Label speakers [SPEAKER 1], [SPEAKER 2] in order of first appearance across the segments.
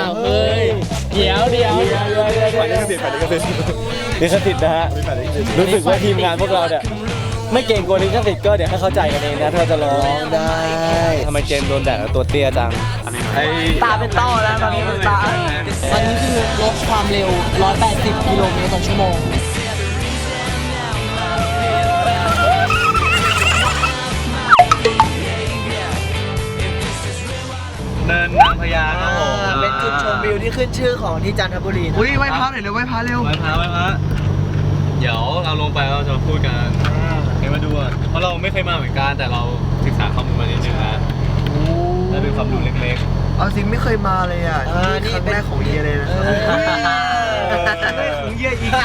[SPEAKER 1] าวเฮ้ยเดี๋ยว
[SPEAKER 2] ฝ่ายลิขสิทธิ์ลิขสิทธิ์นะฮะรู้สึกว่าทีมงานพวกเราเนี่ยไม่เก่งกว่าลิขสิทธิ์ก็เดี๋ยวให้เข้าใจกันเองนะถ้าจะร้องได้ทำไมเจมส์โดนแดดแล้วตัวเตี้ยจัง
[SPEAKER 3] ตาเป็นต้อแล้วตอนนี้ตาตอนนี้คือลดความเร็ว180กิโลเมตรต่อชั่วโมง
[SPEAKER 2] เนินนางพญาครับผม
[SPEAKER 3] เป็นจุดชมวิวที่ขึ้นชื่อของที่จันทบุรีอุ้ยไหว้พระหน่อยเร็วไหว้พระเร็ว
[SPEAKER 2] ไหว้พระเดี๋ยวเราลงไปเราจะพูดกันให้มาดูเพราะเราไม่เคยมาเหมือนกันแต่เราศึกษาข้อมูลมานิดนึงนะและเป็นความรู้เล็กๆ
[SPEAKER 3] เอาสิไม่เคยมาเลยอ่ะนี่ครั้งแรกของเยียเลยนะครับของเยียอีก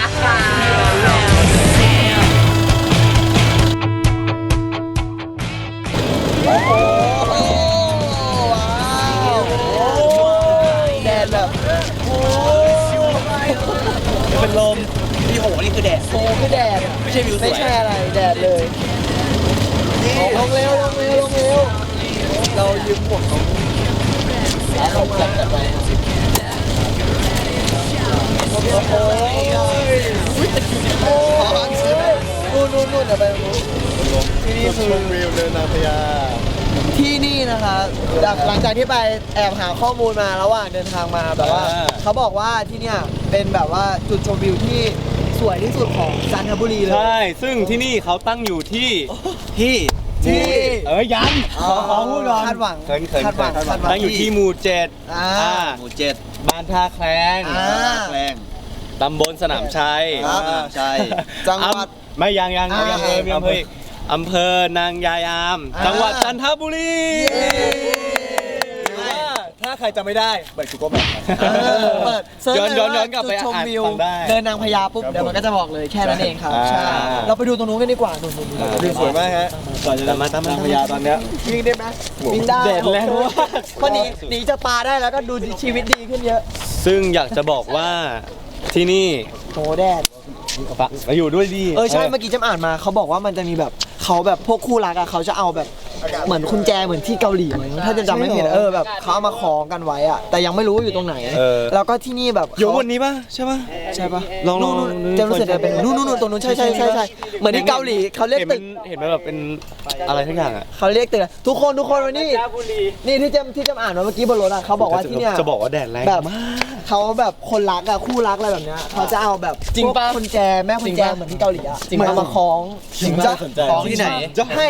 [SPEAKER 3] โอ้โหว้าวแดดแบบโอ้
[SPEAKER 2] เป็นลม
[SPEAKER 3] พี่โหนี่คือแดดโอ้คือแดดไม่ใช่วิวสวยไม่ใช่อะไรแดดเลยลงเร็วเรายืมหมวกเขาจัดไปโอ้นู่นเดี๋ยวไปที่นี่คือวิวเดินนางพญาที่นี่นะคะหลังจากที่ไปแอบหาข้อมูลมาระหว่างเดินทางมาแบบว่าเขาบอกว่าที่เนี่ยเป็นแบบว่าจุดชมวิวที่สวยที่สุดของจันทบุรีเลย
[SPEAKER 2] ใช่ซึ่งที่นี่เขาตั้งอยู่ที่ยังขอพูดก่อน
[SPEAKER 3] คาดหวัง
[SPEAKER 2] ตั้งอยู่ที่หมู่7หมู่7บ้านท่าแคลงตำบลสนามชัย
[SPEAKER 3] จังหวัด
[SPEAKER 2] ไม่ยังอำเภอนางยายามจังหวัดจันทบุรีถ้าใครจำไม่ได้เปิด Google Map ย้อนกลับไป
[SPEAKER 3] ชมวิวเดินนางพญาปุ๊บเดี๋ยวมันก็จะบอกเลยแค่นั้นเองครับใช่เราไปดูตรงนู้นกันดีกว่า
[SPEAKER 2] วิวสวยมากฮะก่อนจะมาตามนางพญาตอนเนี้ย
[SPEAKER 3] วิ่งได้ไหมวิ่งได้
[SPEAKER 2] เด็ดแล้ว
[SPEAKER 3] เพราะหนีจะปลาได้แล้วก็ดูชีวิตดีขึ้นเยอะ
[SPEAKER 2] ซึ่งอยากจะบอกว่าที่นี่
[SPEAKER 3] โหแดด
[SPEAKER 2] มาอยู่ด้วยดี
[SPEAKER 3] ใช่เมื่อกี้จำอ่านมาเขาบอกว่ามันจะมีแบบเขาแบบพวกคู่รักอะเขาจะเอาแบบเหมือนกุญแจเหมือนที่เกาหลีถ้าจะจำไม่ผิดแบบเขาเอามาคล้องกันไว้อะแต่ยังไม่รู้อยู่ตรงไหนแล้วก็ที่นี่แบบ
[SPEAKER 2] อยู่บนนี้ป่ะใช่ป่ะลอง
[SPEAKER 3] จะรู้สึกเป็นนู่นตรงนู้นใช่เหมือนที่เกาหลีเขาเรียกตึก
[SPEAKER 2] เห็นไหมแบบเป็นอะไรทั้งอย่างอะ
[SPEAKER 3] เขาเรียกตึกทุกคนวันนี้นี่ที่จำอ่านมาเมื่อกี้บนรถอะเขาบอกว่าที่เนี่ย
[SPEAKER 2] จะบอกว่าแดดแรง
[SPEAKER 3] แบบเขาแบบคนรักอะคู่รักอะไรแบบเนี้ยเขาจะเอาแบบ
[SPEAKER 2] จริงป่ะ
[SPEAKER 3] กุญแจแม่กุญแจเหมือนที่เกาหลีอะเหมือนเอามาคล้อง
[SPEAKER 2] คล้องที่ไหน
[SPEAKER 3] ให้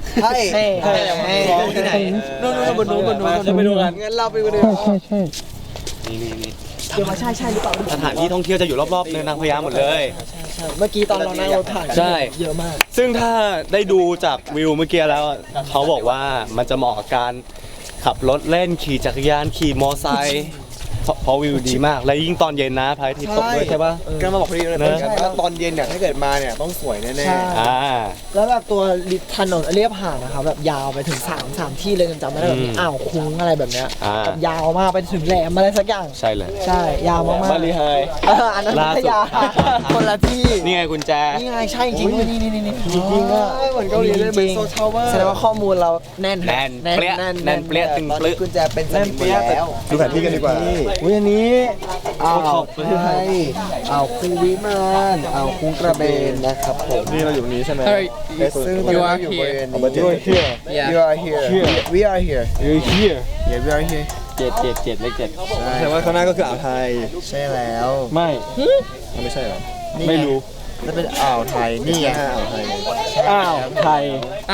[SPEAKER 3] ที่ไหนนู่นบนนู้น
[SPEAKER 2] ไปดูกัน
[SPEAKER 3] งั้นเราไปดู
[SPEAKER 2] นี่
[SPEAKER 3] เดี๋ยวมาใช่หรือเปล่า
[SPEAKER 2] สถานที่ท่องเที่ยวจะอยู่รอบๆเนินนางพญาหมดเลย
[SPEAKER 3] ใช่เมื่อกี้ตอนเรานั่งรถผ่านเยอะมาก
[SPEAKER 2] ซึ่งถ้าได้ดูจากวิวเมื่อกี้แล้วเขาบอกว่ามันจะเหมาะกับการขับรถเล่นขี่จักรยานขี่มอไซค์เพราะวิวดีมากและยิ่งตอนเย็นนะพระอาทิตย์ตกด้วยใช่ป่ะ
[SPEAKER 4] ก็มาบอกพอดีเลยนะตอนเย็นเนี่ยถ้าเกิดมาเนี่ยต้องสวยแน่
[SPEAKER 3] ๆแล้วแบบตัวถนนเรียบหาดนะครับแบบยาวไปถึง3ที่เลยจำไม่ได้แบบอ่าวคุ้งอะไรแบบเนี้ยแบบยาวมากไปถึงแหลมอะไรสักอย่าง
[SPEAKER 2] ใช่เลย
[SPEAKER 3] ใช่ยาวมาก
[SPEAKER 2] บาลีไฮ
[SPEAKER 3] อันนั้นพัทยาคนละที่
[SPEAKER 2] นี่ไงกุญแจ
[SPEAKER 3] นี่ไงใช่จริงนี่จริงก็
[SPEAKER 4] เหมือนเกาหลีเลยเหมือนโซทาวเวอร์
[SPEAKER 3] แสดงว่าข้อมูลเราแน่น
[SPEAKER 2] เปรี้ยตึงเปรี้ย
[SPEAKER 4] กุญแจเป็นสนิมแล้วดูแผนที่กันดีกว่า
[SPEAKER 3] อันนี้
[SPEAKER 4] ไทยคูวิมานคูกระเบนนะครับผมนี่เราอยู่นี้ใช่ไหมซึ่งตอนนี้เราอยู่บริเวณนี้ you are here we are here yeah we are here
[SPEAKER 2] 7เลข7
[SPEAKER 4] แต่ว่าข้างหน้าก็คืออ่าวไทยใช่แล้วไม่ใช่หรอ
[SPEAKER 2] ไม่รู้
[SPEAKER 4] แล้วเป็นอ่าวไทยนี่ไง
[SPEAKER 2] อ่าวไทย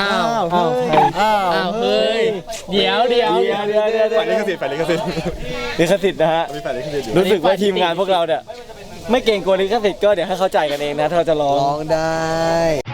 [SPEAKER 1] เฮ้ยเดี๋ยว
[SPEAKER 4] ฝ่ายลิขสิทธิ์
[SPEAKER 2] นะฮะรู้สึกว่าทีมงานพวกเราเนี่ยไม่เก่งกว่าลิขสิทธิ์ก็เดี๋ยวให้เข้าใจกันเองนะถ้าเราจะร้อง
[SPEAKER 4] ได้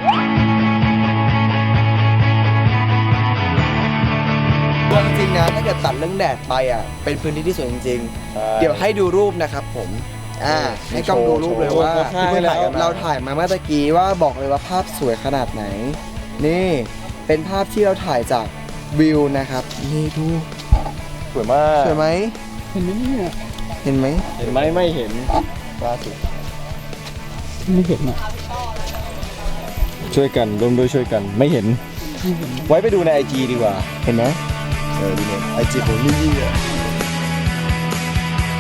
[SPEAKER 4] จริงนะถ้าเกิดตัดเรื่องแดดไปเป็นพื้นที่ที่สวยจริงๆเดี๋ยวให้ดูรูปนะครับผมให้กล้องดูรูปเลยว่าเราถ่ายมาเมื่อตะกี้ว่าบอกเลยว่าภาพสวยขนาดไหนนี่เป็นภาพที่เราถ่ายจากวิวนะครับนี่ดู
[SPEAKER 2] สวยมาก
[SPEAKER 4] สวยไหมเห็นไหม
[SPEAKER 2] ไม่เห็นล่าสุด
[SPEAKER 1] ไม่เห็นอ่ะ
[SPEAKER 2] ช่วยกันร่วมด้วยช่วยกันไม่เห็นไว้ไปดูใน IG ดีกว่า
[SPEAKER 4] เห็นไหมดูใน IG ของยี่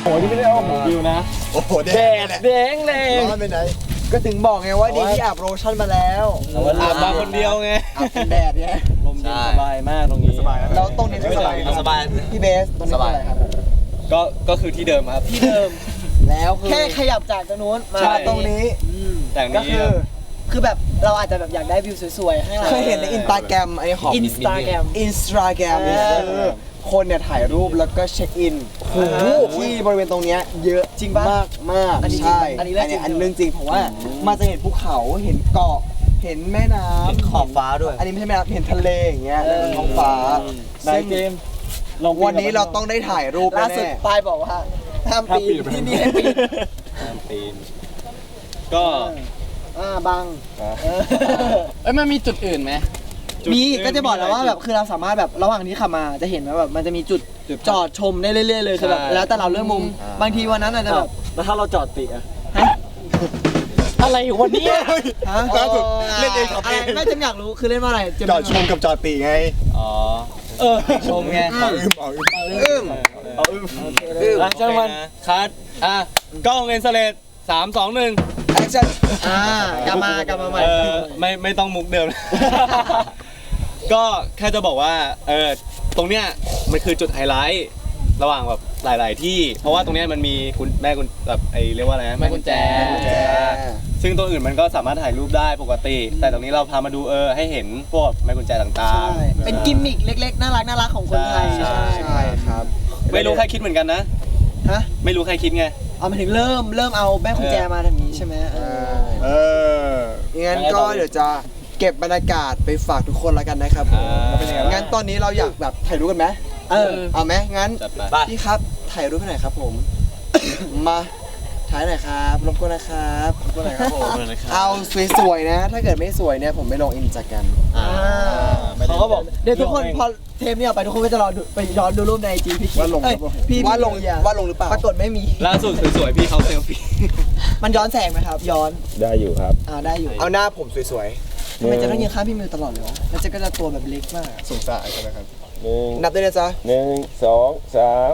[SPEAKER 2] นี่ไม่ได้เอาของวิวนะ
[SPEAKER 3] โอ้โหแด
[SPEAKER 2] แดงแรง
[SPEAKER 3] ร้อนไปไหน
[SPEAKER 4] ก็ถึงบอกไงว่าดีที่อาบโลชั่นมาแล้ว
[SPEAKER 2] อาบมาคนเดียวไง
[SPEAKER 4] อาบเป็นแดดเนี่ย
[SPEAKER 2] ลมเย็นสบายมากตรงนี้สบาย
[SPEAKER 4] แล้วตรงนี้ไม่สบาย
[SPEAKER 2] สบาย
[SPEAKER 4] พี่เบสตรงนี้เป็นอะไรครับ
[SPEAKER 2] ก็คือที่เดิมครับที่เดิม
[SPEAKER 4] แล้วคือ
[SPEAKER 3] แค่ขยับจากตรงนู้นมา
[SPEAKER 4] ใช่ตรงนี้
[SPEAKER 2] แต่
[SPEAKER 4] ก็
[SPEAKER 2] นี้
[SPEAKER 3] คือแบบเราอาจจะแบบอยากได้วิวสวยๆข้างหลัง
[SPEAKER 4] เคยเห็นในอินสตาแกรมไอ้ของ
[SPEAKER 3] อินสตาแกรม
[SPEAKER 4] อินสตาแกรมคนเนี่ยถ่ายรูปแล้วก็เช็คอินที่บริเวณตรงเนี้ยเยอะ
[SPEAKER 3] จริงปะ
[SPEAKER 4] มากมาก
[SPEAKER 3] อันนี้
[SPEAKER 4] ใช่
[SPEAKER 3] อันนี้เรื่องจริง
[SPEAKER 4] อันเรื่องจริงเพราะว่ามันจะเห็นภูเขาเห็นเกาะเห็นแม่น้ำ
[SPEAKER 2] ขอบฟ้าด้วย
[SPEAKER 4] อันนี้ไม่ใช่แม่น้ำเห็นทะเลอย่างเงี้ยแล้วก็ท้องฟ้า
[SPEAKER 2] ได้เกมลอง
[SPEAKER 4] วันนี้เราต้องได้ถ่ายรูป
[SPEAKER 3] ล่าสุด
[SPEAKER 4] แน่
[SPEAKER 3] ปายบอกว่าห้ามปีนที่นี่ให้ปีน
[SPEAKER 2] ปีนก็
[SPEAKER 3] บัง
[SPEAKER 1] เอ้ยมันมีจุดอื่นไหม
[SPEAKER 3] มีก็จะบอกแล้วว่าแบบคือเราสามารถแบบระหว่างที่ขับมาจะเห็นว่าแบบมันจะมีจุดจอดชมได้เรื่อยๆเลยคือแบบแล้วแต่เราเลือกมุมบางทีวันนั้นอาจจะแบบ
[SPEAKER 2] แล้วถ้าเราจอดติอะ
[SPEAKER 1] อะไรวันนี้
[SPEAKER 3] ฮะ
[SPEAKER 5] ล่าสุดเล่นเองขับ
[SPEAKER 3] อะ
[SPEAKER 5] เอ
[SPEAKER 3] ไรง ไม่จำอยากรู้คือเล่นว่าอะไรเจมส์
[SPEAKER 5] จอดชมกับจอดปีไง
[SPEAKER 2] อ๋อชมไง
[SPEAKER 5] เอาอึมเอาอึม
[SPEAKER 2] เอาอึ้มจังมันคัดกล้องเลนส์เลส3 2 1
[SPEAKER 4] แอคชั่น
[SPEAKER 3] กลับมาใหม่
[SPEAKER 2] ไม่ต้องมุกเดิม ก็แค่จะบอกว่าตรงเนี้ยมันคือจุดไฮไลท์ระหว่างแบบหลายๆที่ เพราะว่าตรงเนี้ยมันมีคุณแม่คุณแบบเรียกว่าอะไรนะ
[SPEAKER 1] แม่กุญแจ
[SPEAKER 2] ซึ่งตัวอื่นมันก็สามารถถ่ายรูปได้ปกติ แต่ตรงนี้เราพามาดูให้เห็นพวกแม่กุญแจต่าง
[SPEAKER 3] ใช่
[SPEAKER 2] ๆ
[SPEAKER 3] เป็นกิมมิคเล็กๆน่ารักของคนไทย
[SPEAKER 2] ใช่
[SPEAKER 4] ใช่ครับ
[SPEAKER 2] ไม่รู้ใครคิดเหมือนกันนะ
[SPEAKER 3] ฮะ
[SPEAKER 2] ไม่รู้ใครคิดไง
[SPEAKER 3] เอามาถึงเริ่มเอาแม่กุญแจมาทำนี้ใช่ไหม
[SPEAKER 5] เออ
[SPEAKER 4] งั้นก็เดี๋ยวจะเก็บบรรยากาศไปฝากทุกคนแล้วกันนะครับผม
[SPEAKER 2] เป็นยังไงบ้าง
[SPEAKER 4] งั้นตอนนี้เราอยากแบบถ่ายรูปกันไหมเอาไหมงั้น
[SPEAKER 2] จัดไป
[SPEAKER 4] พี่ครับถ่ายรูปให้หน่อยครับผม มาถ่ายหน่อยครับรบกวนนะครับรบกวนหน่อยครับผมเอาสวยๆนะ ถ้าเกิดไม่สวยเนี่ยผมไม่ลงอินสตาแกรม
[SPEAKER 2] เขาก็บอก
[SPEAKER 3] เดี๋ยวทุกคนพอเทปนี้ออกไปทุกคนก็จะรอดูไปย้อนดูรูปในไอจีพี่คิด
[SPEAKER 5] ว่าลง
[SPEAKER 3] เอ้ยพี่
[SPEAKER 4] ว่าลง
[SPEAKER 3] อย่
[SPEAKER 4] ว่าลงหรือเปล่า
[SPEAKER 3] ปรากฏไม่มี
[SPEAKER 2] ล่าสุดสวยๆพี่เขาเซลฟี่
[SPEAKER 3] มันย้อนแสงไหมครับ ย้อน
[SPEAKER 5] ได้อยู่ครับ
[SPEAKER 3] ได้อยู่
[SPEAKER 4] เอาหน้าผมสวย
[SPEAKER 3] ทำไมจะต้องยืนข้างพี่มิวตลอดเลยวะแล้วเจะก็จะตัวแบบเล็กมาก
[SPEAKER 5] สงสารใช่ไหมครับ
[SPEAKER 4] ๆนับด้วยนะจ๊ะ
[SPEAKER 6] 1 2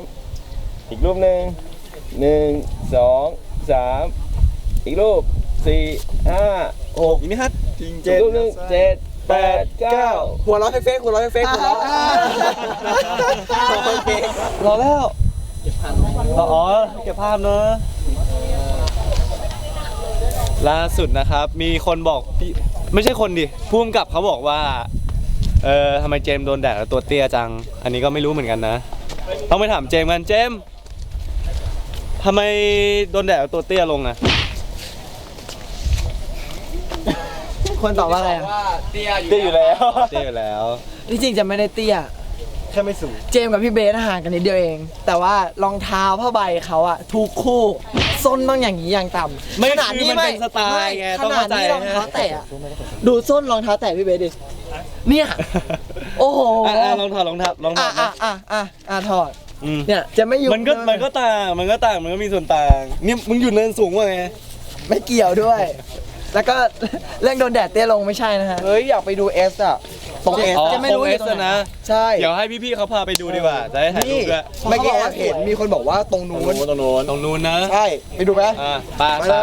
[SPEAKER 6] 3 อีกรูปหนึ่ง1 2 3 อีกรูป 4 5 6
[SPEAKER 2] อีกนิดฮัท
[SPEAKER 5] จริง
[SPEAKER 6] อีกรูปหนึ่ง7 8 9
[SPEAKER 4] หัวเราะเฟกๆหัวเราะเฟกๆหัวเราะ
[SPEAKER 2] รอแล้วอ๋อเก็บภาพเนอะล่าสุดนะครับ มีคนบอกพี่ไม่ใช่คนดิผู้กำกับเขาบอกว่าทำไมเจมส์โดนแดดแล้วตัวเตี้ยจัง อันนี้ก็ไม่รู้เหมือนกันนะ ต้องไปถามเจมส์กันเจมส์ทำไมโดนแดดแล้วตัวเตี้ยลงอะ
[SPEAKER 3] คนตอบว่าอะไรอะ
[SPEAKER 2] เตี้ยอยู่แล้วเตี้ยอยู่แล้ว
[SPEAKER 3] ที่จริงจะไม่ได้เตี้ย
[SPEAKER 5] แค่ไม่สูง
[SPEAKER 3] เจมส์กับพี่เบสห่างกันนิดเดียวเอง แต่ว่ารองเท้าผ้าใบเขาอะทุกคู่ส้นต้องอย่างนี้อย่างต่ำ
[SPEAKER 2] ไม่
[SPEAKER 3] ขนาด
[SPEAKER 2] คือมันเป็นสไตล์ไง
[SPEAKER 3] ข
[SPEAKER 2] ต้อง
[SPEAKER 3] นาด
[SPEAKER 2] เข้าใจ
[SPEAKER 3] นี้รองเท้าแตะอะดูส้นรองเท้าแตะพี่เบสดิเนี่ยโอ้โห
[SPEAKER 2] ลองถอดรองเท้ารองเท้า
[SPEAKER 3] ถอด
[SPEAKER 2] อืม
[SPEAKER 3] เนี่ยจะไม่อยู่
[SPEAKER 2] มันก็ต่างมันก็มีส่วนต่างเนี่ยมึงอยู่เนินสูงว่าไง
[SPEAKER 3] ไม่เกี่ยวด้วย แล้วก็เรื่องโดนแดดเตี้ยลงไม่ใช่นะฮะ
[SPEAKER 4] เฮ้ยอยากไปดูเอสอะตรงเอส
[SPEAKER 3] จะไม่รู้อยู่ตรงไหน
[SPEAKER 2] นะ
[SPEAKER 4] ใช่
[SPEAKER 2] เดี๋ยวให้พี่ๆเขาพาไปดูดีกว่า จะได้ถ่ายรู
[SPEAKER 4] นี่
[SPEAKER 2] ปด้วย
[SPEAKER 4] เมื่อกี้แอบเห็นมีคนบอกว่าตรงนู้น
[SPEAKER 2] ตรงนู้นนะ
[SPEAKER 4] ใช่ไปดูไหม
[SPEAKER 2] ไป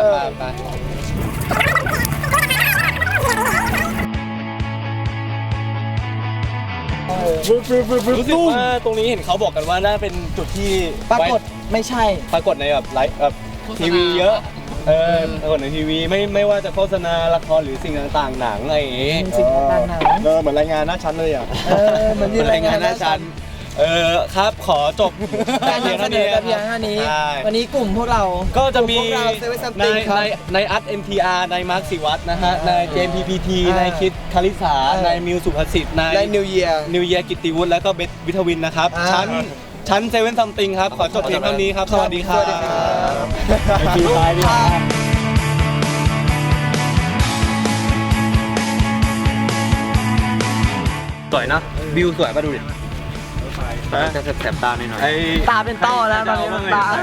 [SPEAKER 2] รู้สึกว่าตรงนี้เห็นเขาบอกกันว่าน่าเป็นจุดที่
[SPEAKER 3] ปรากฏไม่ใช่
[SPEAKER 2] ปรากฏในแบบไลฟ์แบบทีวีเยอะปรากฏในทีวีไม่ว่าจะโฆษณาละครหรือสิ่งต่างๆหนังอะไรอย่างงี้
[SPEAKER 3] สิ่งต่างๆหนัง
[SPEAKER 5] เหมือนรายงานหน้าชั้นเลยอ่ะ
[SPEAKER 3] เหมือนมีรายงานหน้าชั้น
[SPEAKER 2] ครับขอจบ
[SPEAKER 3] การนำเสนอแต่เพียงเท่านี้
[SPEAKER 2] ใช่
[SPEAKER 3] วันนี้กลุ่มพวกเรา
[SPEAKER 2] ก็จะมี
[SPEAKER 4] พวกเรา Seven
[SPEAKER 2] ใน
[SPEAKER 4] Something ครับ
[SPEAKER 2] ในอัด NTR ในมาร์คศิวัตรนะฮะในเจม PPT ในคิดคาริสาในมิวสุภสิทธิ์ใน
[SPEAKER 4] ในนิวเยียร์
[SPEAKER 2] นิวเยียกิตติวุฒิแล้วก็เบสวิทวินนะครับ ชั้นเซเว่นซัมติงครับ ขอจบเพียงเท่านี้ครับ สวัสดีครับ
[SPEAKER 5] ไปคิวท้ายดิ
[SPEAKER 2] สวยนะวิวสวยมาดูดิจะแสบตาหน่อย
[SPEAKER 3] ตาเป็นต้อแล้วตอนนี้ตา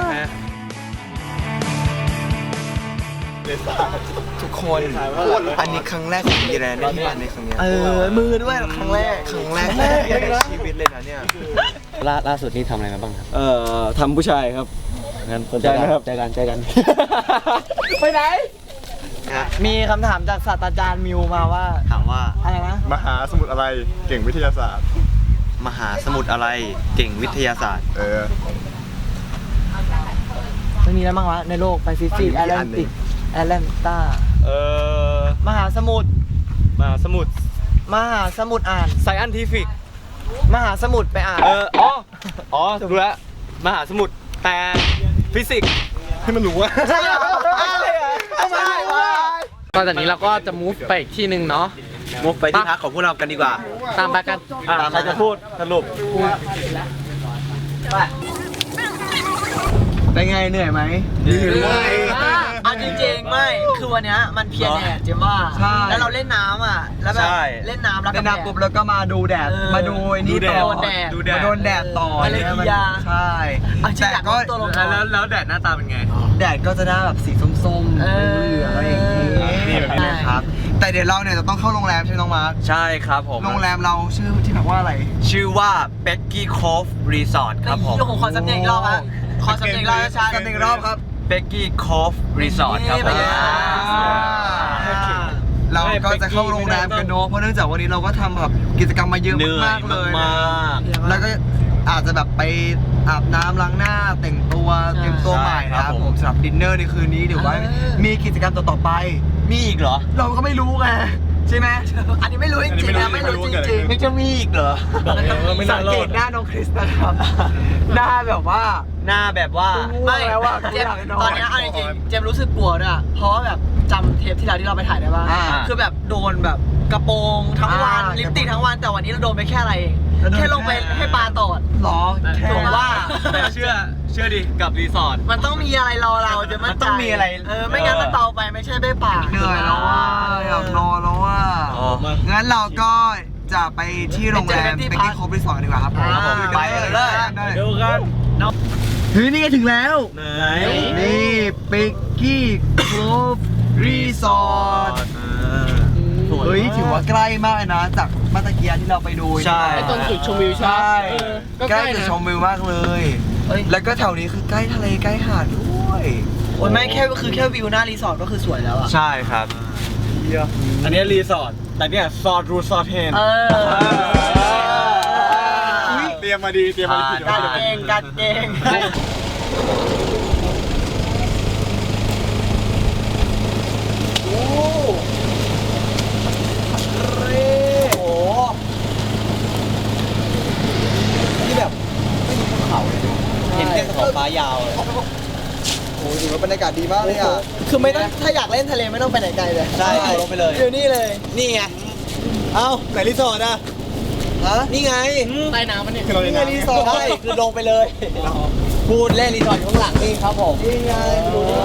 [SPEAKER 4] ทุกคนอันนี้ครั้งแรกของยีแรนที่มาในครั้งเนี้ย
[SPEAKER 3] มือด้วยครั้งแรก
[SPEAKER 4] ครั้งแรกในชีวิตเลยนะเนี่ย
[SPEAKER 2] ล่าสุดนี่ทำอะไรมาบ้างครับ
[SPEAKER 6] ทำผู้ชายครับ
[SPEAKER 2] งั้น
[SPEAKER 3] เจอกันครับเจอกันไปไหนมีคำถามจากศาสตราจารย์มิวมาว่า
[SPEAKER 7] ถามว่า
[SPEAKER 3] อะไรนะ
[SPEAKER 5] มหาสมุทรอะไรเก่งวิทยาศาสตร์
[SPEAKER 7] มหาสมุทรอะไรเก่งวิทยาศาสตร์
[SPEAKER 3] มันมีอะไรบ้างวะในโลกแปซิฟิกแอตแลนติกแอตแลนตามหาสมุทร
[SPEAKER 2] มหาสมุทร
[SPEAKER 3] มหาสมุทรอ่าน
[SPEAKER 2] ไซแอนทิฟิก
[SPEAKER 3] มหาสมุทรไปอ่าน
[SPEAKER 2] อ๋อถูกแล้วมหาสมุทรแต่ฟิสิกส์
[SPEAKER 5] ให้มันรู้ว่า
[SPEAKER 3] ใช่เหรอใช่วะ
[SPEAKER 1] ตอนจากนี้เราก็จะ move ไปอีกที่หนึ่งเนาะ
[SPEAKER 7] มุกไปที่พักของพวกเรากันดีกว่า
[SPEAKER 1] ตามไปกัน
[SPEAKER 2] ใครจะพูดสรุป
[SPEAKER 3] เป็นไงเหนื่อยไหม
[SPEAKER 5] เหนื่อย
[SPEAKER 3] เอาจริงๆไม่คือวันเนี้ยมันเพียรแดดเจมว่าแล้วเราเล่นน้ำอ่ะแล้วแบบเล่นน้ำแล้วก็ปุ๊บแล้วก็มาดูแดดมาดูไอ้นี่ต่อมาโดนแดดต่ออะไรอย่างเงี้ยใช่แต่ก็
[SPEAKER 2] แล้วแดดหน้าตาเป็นไง
[SPEAKER 3] แดดก็จะหน้าแบบสีส้มๆเหลืองๆอะไรอย่างงี้
[SPEAKER 5] นี่แบบนี้
[SPEAKER 3] ครับแต่เดี๋ยวเราเนี่ยจะต้องเข้าโรงแรมใช่ไหมน้องมาร์ค
[SPEAKER 7] ใช่ครับผม
[SPEAKER 3] โรงแรมเราชื่อที่แบบว่าอะไร
[SPEAKER 7] ชื่อว่าเบกกี้โคฟรีสอร์ทครับผม
[SPEAKER 3] โอ้โหขอสำเนียงอีกรอบฮะขอสำเนียงอีกรอบช้าๆสำเนียงอีกรอบครับ
[SPEAKER 7] เบกกี้โคฟรีสอร์ทครับผม
[SPEAKER 3] เราก็จะเข้าโรงแรมกันเนอะเพราะเนื่องจากวันนี้เราก็ทำแบบกิจกรรมมาเยอะมากๆเลย
[SPEAKER 7] มาก
[SPEAKER 3] แล้วก็อาจจะแบบไปอาบน้ำล้างหน้าแต่งตัวเตรียมตัวใหม่นะครับผมสำหรับดินเนอร์ในคืนนี้เดี๋ยวว่ามีกิจกรรมต่อๆไป
[SPEAKER 7] มีอีกเหรอ
[SPEAKER 3] เราก็ไม่รู้ไงใช่ไหมอันนี้ไม่รู้จริงๆนะไม่รู้จริงๆ
[SPEAKER 7] ไม่จะมีอีกเหรอ
[SPEAKER 3] สังเกตหน้าน้องคริสนะครับหน้าแบบว่า
[SPEAKER 7] หน้าแบบว่า
[SPEAKER 3] ไม่เจมตอนนี้เอาจริงๆเจมรู้สึกกลัวด้วยเพราะว่าแบบจำเทปที่เราไปถ่ายได้ป่ะคือแบบโดนแบบกระโปรงทั้งวันลิปสติกทั้งวันแต่วันนี้เราโดนไปแค่อะไรเองแค่ลงไปให้ปลาตอดหรอถูกว่า
[SPEAKER 2] แต่เชื่อดิกับรีสอร์ท
[SPEAKER 3] มันต้องมีอะไรรอเราจะมั่นใจ
[SPEAKER 7] มันต้องมีอะไร
[SPEAKER 3] ไม่งั้นมันเบาไปไม่ใช่ได้ปากเหนื่อยแล้วว่าอยากนอนแล้วว่างั้นเราก็จะไปที่โรงแรมไปที่โคบรีสอร์ทดีกว่าครับผม
[SPEAKER 7] ไปเลย
[SPEAKER 2] ดูกัน
[SPEAKER 3] เฮ้ยนี่ถึงแล้ว
[SPEAKER 2] ไหน
[SPEAKER 3] นี่ปิกกี้โคบรีสอร์ทเฮ้ยถือว่าใกล้มากเลยนะจากเมื่อตะกี้ที่เราไปดู
[SPEAKER 7] ใช่
[SPEAKER 1] ไอ้ตรงจุดชมวิวใช่
[SPEAKER 3] ใช่
[SPEAKER 1] เออก็
[SPEAKER 3] ใก
[SPEAKER 1] ใก
[SPEAKER 3] ล้
[SPEAKER 1] ล้
[SPEAKER 3] จุด
[SPEAKER 1] นะ
[SPEAKER 3] ชมวิวมากเลย แล้วก็แถวนี้คือใกล้ทะเลใกล้หาดด้วย โอ้ยไม่แค่คือแค่วิวหน้ารีสอร์ทก็คือสวยแล้วอ่ะ
[SPEAKER 7] ใช่ครับ
[SPEAKER 2] อันนี้รีสอร์ทแต่เนี่ยซอร์ทรูซอร์ทเฮน
[SPEAKER 5] เตรียมมาดีเตรียมมาดี
[SPEAKER 3] การเกงการเกงโอ้โหที่แบบไม่มีภูเขาเลย
[SPEAKER 7] เห็นแต่ขอบฟ้ายาวเลย
[SPEAKER 3] โอ้โหถือว่าบรรยากาศดีมากเลยอ่ะ คือไม่ต้องถ้าอยากเล่นทะเลไม่ต้องไปไหนไกลเลย
[SPEAKER 7] ใช่ลงไปเลย
[SPEAKER 3] อยู่นี่เลย
[SPEAKER 7] นี่ไง
[SPEAKER 3] เอ้าไหนรีสอร์ทอ่ะฮะนี่ไง
[SPEAKER 1] ใต้น้ำมันเนี่ย
[SPEAKER 3] นี่ไงรีสอร์ทใช่คือลงไปเลยพูดเล่นรีสอร์ทอยู่ข้างหลังนี่ครับผมนี่ไงดูดิ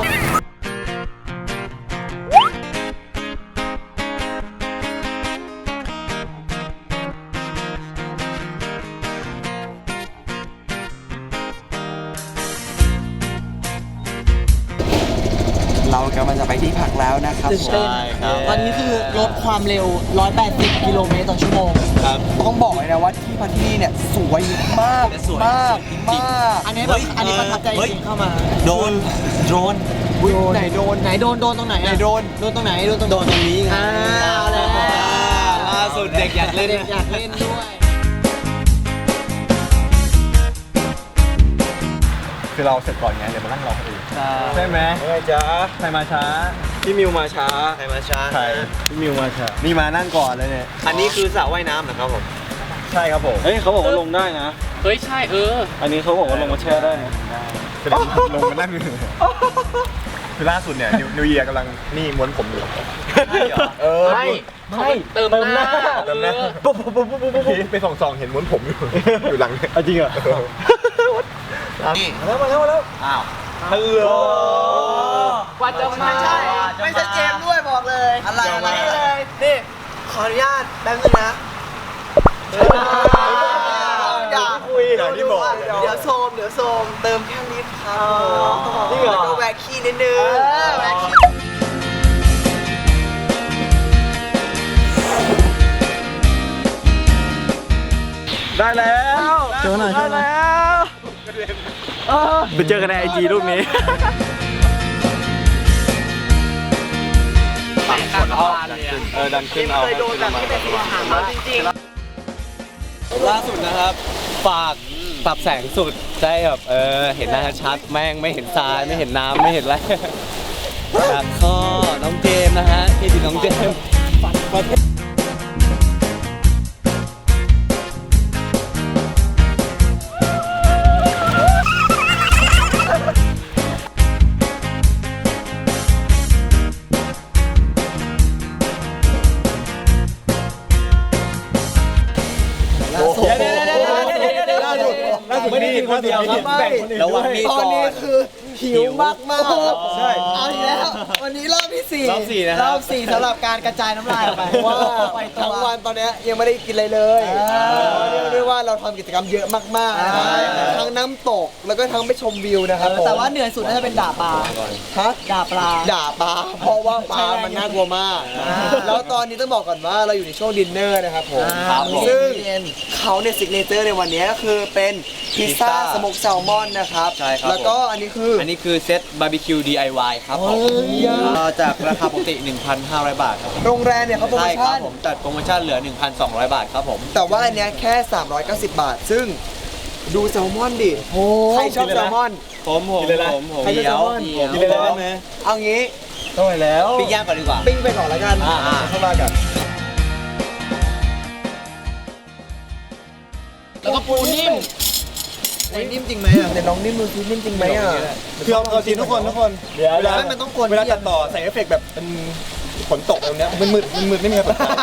[SPEAKER 3] เรากำลังจะไปที่พักแล้วนะครับ
[SPEAKER 7] ใช่ครับ
[SPEAKER 3] ตอนนี้คือลดความเร็ว 180 กิโลเมตรต่อชั่วโมง
[SPEAKER 7] ครับ
[SPEAKER 3] ต้องบอกเลยนะว่าที่พักที่นี่เนี่ยสวยมาก
[SPEAKER 7] สวย
[SPEAKER 3] มาก
[SPEAKER 7] จริง
[SPEAKER 3] มากอันนี้แบบอันนี้ประทับใจจริงเข้ามา
[SPEAKER 7] โดนโดรน
[SPEAKER 3] ไหนโดนตรงไหนไหนโดนตรงไหนโดนตรงนี้ไงเอาแล้ว
[SPEAKER 7] ล่าสุดเด็กอยากเล่น
[SPEAKER 3] เด็กอยากเล่นด้วย
[SPEAKER 5] คือเราเสร็จก่อนไงเดี๋ยวมานั่งรอคนอื่นใช่ไหม
[SPEAKER 2] เฮ้ยจ้า
[SPEAKER 5] ใครมาช้า
[SPEAKER 2] พี่มิวมาช้า
[SPEAKER 7] ใครมาช้า
[SPEAKER 5] ใคร
[SPEAKER 2] พี่มิวมาช้า
[SPEAKER 5] นี่มานั่งก่อนเลยเนี่ย
[SPEAKER 7] อันนี้คือสระว่ายน้ำเหรอครับผม
[SPEAKER 5] ใช่ครับผม
[SPEAKER 2] เฮ้ยเขาบอกว่าลงได้นะ
[SPEAKER 1] เฮ้ยใช่
[SPEAKER 2] อันนี้เขาบอกว่าลงมาแช่ได้นะ
[SPEAKER 5] คือลงมานั่งคือล่าสุดเนี่ยนิวเยียร์กำลังนี่ม้วนผมอยู่
[SPEAKER 1] ไม่เติมหน้า
[SPEAKER 5] จำนะปุ๊บไปส่องๆเห็นม้วนผมอยู่หลังเนี่ย
[SPEAKER 2] จริงเหรอ
[SPEAKER 5] มาแล้ว
[SPEAKER 7] อ้าว
[SPEAKER 5] ฮัลโหล
[SPEAKER 1] กว่าจะมา
[SPEAKER 3] ไม่ใช่เจมส์ด้วยบอกเลย อะไรเลยนี่ขออนุญาตแป๊บนึงนะอย่า
[SPEAKER 5] คุยอย่างที่บอก
[SPEAKER 3] เดี๋ยวโซมเติมแค่นิดครับ
[SPEAKER 5] จริงเหรอ
[SPEAKER 3] แล้วก็แวกขี้นิดนึงแวกขี้
[SPEAKER 2] ได้แล้วเจอหน่อยได้แล้วไปเจอกันในไอจีรูปนี้
[SPEAKER 6] ดันขึ้นเอา
[SPEAKER 3] เคยโดนแบบที่เป็นสีหางแล้วจริงๆ
[SPEAKER 2] ล่าสุดนะครับ ฝากปรับแสงสุดได้แบบเห็นหน้าชัดแม่งไม่เห็นทรายไม่เห็นน้ำไม่เห็นอะไรครับก็น้องเจมส์นะฮะที่ดีน้องเจมส์ล่าสุดไม่ได้กินคนเดียวครับแบ่งคนอื่นระวังมี
[SPEAKER 3] ต
[SPEAKER 2] ก่
[SPEAKER 3] อ
[SPEAKER 2] อนน
[SPEAKER 3] นี้คือหิวมากๆครับ
[SPEAKER 2] ใช่
[SPEAKER 3] เอาอีกแล้ว วันนี้รอบที่4
[SPEAKER 2] รอบ4นะครับ
[SPEAKER 3] รอบ4สำหรับการกระจายน้ำลายออกไป
[SPEAKER 4] ว่า
[SPEAKER 3] ไปตั
[SPEAKER 4] ทั้ง
[SPEAKER 3] ว
[SPEAKER 4] วันตอนเนี้ยยังไม่ได้กินอะไรเลย เรียกได้ว่าเราทำกิจกรรมเยอะมากๆนะครับทั้งน้ำตกแล้วก็ทั้งไปชมวิวนะครับผม
[SPEAKER 3] แต่ว่าเหนื่อยสุดน่าจะเป็นด่าปลา
[SPEAKER 4] ฮะ
[SPEAKER 3] ด่าปลา
[SPEAKER 4] ด่าปลาเพราะว่าปลามันน่ากลัวมาก แล้วตอนนี้ต้องบอกก่อนว่าเราอยู่ในช่วงดินเนอร์นะครับผม
[SPEAKER 2] ครับผม
[SPEAKER 4] ซึ่งเขาเนี่ยซิกเนเจอร์ในวันนี้ก็คือเป็นพิซซ่าสโมกแซลมอนนะครับ
[SPEAKER 2] ใช่ครับ
[SPEAKER 4] แล้วก็อันนี้คือ
[SPEAKER 2] อันนี้คือเซตบาร์บีคิว DIY ครับผมจากราคาปกติ 1,500 บาทครับ
[SPEAKER 4] โรงแรมเนี่ยเขาโปรโม
[SPEAKER 2] ใช่ครั
[SPEAKER 4] ชั่
[SPEAKER 2] บ
[SPEAKER 4] น
[SPEAKER 2] ผมจัดโปรโมชั่นเหลือ 1,200 บาทครับผม
[SPEAKER 4] แต่ว่าอันเนี้ยแค่ 390 บาท ซึ่งดูแซลมอนดิใครชอบแซลมอน
[SPEAKER 2] ผม
[SPEAKER 4] ใครชอบแซลมอน
[SPEAKER 2] กินเลยได้ไหม
[SPEAKER 4] เอางี้
[SPEAKER 2] ต้องไปแล้วปิ้งย่างก่อนดีกว่า
[SPEAKER 4] ปิ้งไปก่อนแล้วกัน
[SPEAKER 2] อ่า
[SPEAKER 4] เข้ามากัน
[SPEAKER 1] แล้วก็ปูนิ่ม
[SPEAKER 4] นิ่มจริงไหมอ่ะเดี๋ยวน้องนิ่มดูซินิ่มจริงไหมอ่ะ
[SPEAKER 5] คือเอาจริงทุกคนเดี๋ยวเวลา
[SPEAKER 4] มันต้องควร
[SPEAKER 5] เวลาตัดต่อใส่เอฟเฟกต์แบบเป็นฝนตกอะไรแบบเนี้ยมันมืดไม่มีใครเปิดไฟ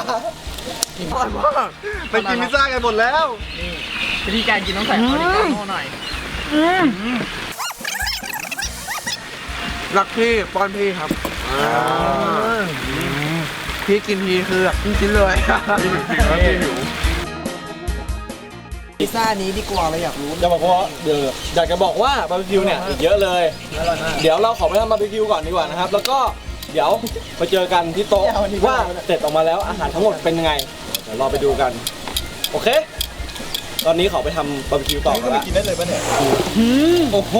[SPEAKER 5] ไปกินพิซซ่ากันหมดแล้ว
[SPEAKER 1] วิธีการกินต้องใส่ออริกาโน่หน่อย
[SPEAKER 4] รักพี่ป้อนพี่ครับพี่กินทีคือกินเลยพิซซ่านี้ดีกว่าเราอยากรู้
[SPEAKER 2] จะบอกว่าเดี๋ยวอยากจะบอกว่าบาร์บีคิวเนี่ยอีกเยอะเลยเดี๋ยวเราขอไปทำบาร์บีคิวก่อนดีกว่านะครับแล้วก็เดี๋ยวมาเจอกันที่โต๊ะว่าเสร็จออกมาแล้วอาหารทั้งหมดเป็นยังไงเดี๋ยวเราไปดูกันโอเค ตอนนี้ขอไปทำบาร์บีคิวต่อ
[SPEAKER 5] นี่
[SPEAKER 2] กั
[SPEAKER 5] ก็
[SPEAKER 2] น
[SPEAKER 5] ไป
[SPEAKER 2] ละ
[SPEAKER 5] กินได้เลยป่ะเนี่ย
[SPEAKER 2] โอ้โห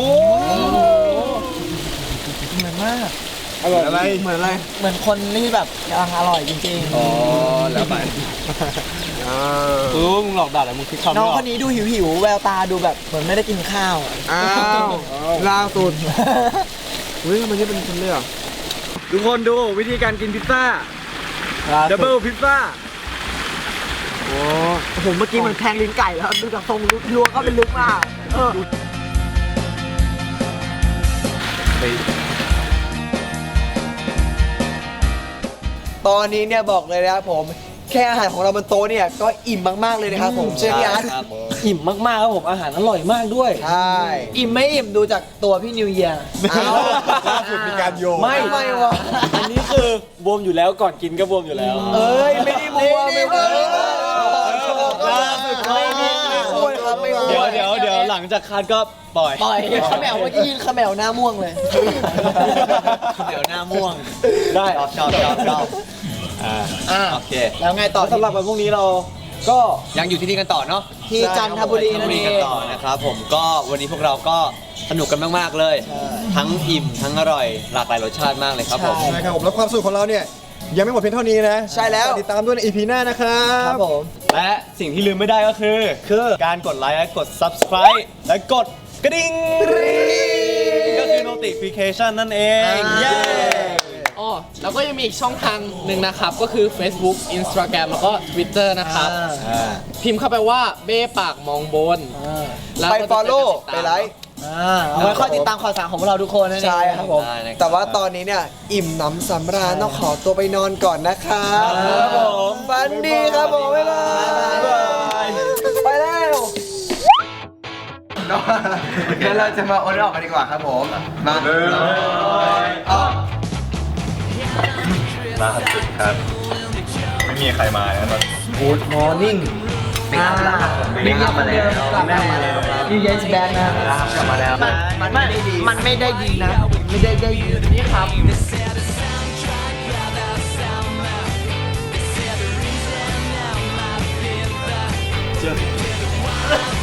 [SPEAKER 5] อะไร
[SPEAKER 3] เหมือนคนที่แบบกำลังอร่อยจริง
[SPEAKER 2] อ๋อแล้วไปมึงหลอกด่าอะไรมึงคิดคำ
[SPEAKER 3] ๆ น้อง
[SPEAKER 2] ไม่อ
[SPEAKER 3] ค
[SPEAKER 2] อก
[SPEAKER 3] นนี้ดูหิวๆแววตาดูแบบเหมือนไม่ได้กินข้าวอะ
[SPEAKER 4] อ้าวล่าสุดเฮ้ยมันจะเป็นคนเลยเหรอ
[SPEAKER 2] ทุกคนดูวิธีการกินพิซซ่าดับเบิลพิซซ่า
[SPEAKER 3] โอ้โหเมื่อกี้เหมือนแทงลิ้นไก่แล้วดูจากทรงลัวก็เป็นลึกมาก
[SPEAKER 4] ตอนนี้เนี่ยบอกเลยนะครับผมแค่อาหารของเราบนโต๊ะเนี่ยก็อิ่มมากๆเลยนะครับผมเชื่อพี่อาร์ต
[SPEAKER 2] อิ่มมากๆครับผมอาหารอร่อยมากด้วย
[SPEAKER 4] ใช่
[SPEAKER 3] อิ่มไม่อิ่มดูจากตัวพี่นิวเยียร์
[SPEAKER 5] ล่าสุดมีการโยง
[SPEAKER 4] ไม่วะ
[SPEAKER 2] อันนี้คือบวมอยู่แล้วก่อนกินก็บวมอยู่แล้ว
[SPEAKER 4] เอ้ยไม่ได้มัวไม่มัว
[SPEAKER 2] ไม่มี
[SPEAKER 4] ไม่ควรครับไม่ควร
[SPEAKER 2] เดี๋ยวหลังจากคัดก็ปล่อย
[SPEAKER 3] ปล่อยขมวเมื่อกี้ยินขมวหน้าม่วงเลย
[SPEAKER 2] เดี๋ยวหน้าม่วงได้ชอบโอเค
[SPEAKER 3] แล้วไงต่อ
[SPEAKER 2] สำหรับวันพรุ่งนี้เราก็ยังอยู่ที่นี่กันต่อเนาะ
[SPEAKER 3] ที่จันทบุรีนั่นเอ
[SPEAKER 2] กัน
[SPEAKER 3] ง
[SPEAKER 2] ต่อนะครับผมก็วันนี้พวกเราก็สนุกกันมากๆเลย ทั้งอิ่มทั้งอร่อยหลากหลายรสชาติมากเลยครับผม
[SPEAKER 5] ใช่ครับผมแล้วความสุขของเราเนี่ยยังไม่หมดเพียงเท่านี้นะ
[SPEAKER 4] ใช่แล้ว
[SPEAKER 5] ติดตามด้วยใน EP หน้านะครับ
[SPEAKER 3] ครับผม
[SPEAKER 2] และสิ่งที่ลืมไม่ได้ก็คือการกดไลค์และกด subscribe และกดกระดิ่งก็คือ notification นั่นเองเย้
[SPEAKER 1] อ๋อ แล้วก็ยังมีอีกช่องทางหนึ่งนะครับ ก็คือ Facebook Instagram แล้วก็ Twitter นะครับ พิมพ์เข้าไปว่าเบ้ปากมองบนแล้ว
[SPEAKER 4] ไป
[SPEAKER 1] ก็จะ
[SPEAKER 4] follow
[SPEAKER 1] ติดตาม
[SPEAKER 4] ไปไลค์
[SPEAKER 3] เอาไว้คอยติดตามข่าวสารของพวกเราทุกคนนั่นเอง
[SPEAKER 4] ใช่ครับผม
[SPEAKER 2] ได้นะครับ
[SPEAKER 4] แต่ว่าตอนนี้เนี่ยอิ่มหนำสำราญต้องขอตัวไปนอนก่อนนะครับ
[SPEAKER 2] ครับผม
[SPEAKER 4] ฝันดีครับผมบ๊ายบายไปแล้วงั้นเราจะมาโอนออกกันดีกว่าครับผมมาออก
[SPEAKER 5] ล่าสุดครับ ไม่มีใครมานะตอน
[SPEAKER 4] Good morning
[SPEAKER 3] บิ๊กยับมาแล้วยูเยสแบนนะ
[SPEAKER 4] กลับมาแล้ว
[SPEAKER 3] มันไม่ได้ดีนะ ไม่ได้ดีนี่ครับ
[SPEAKER 2] เชื่อ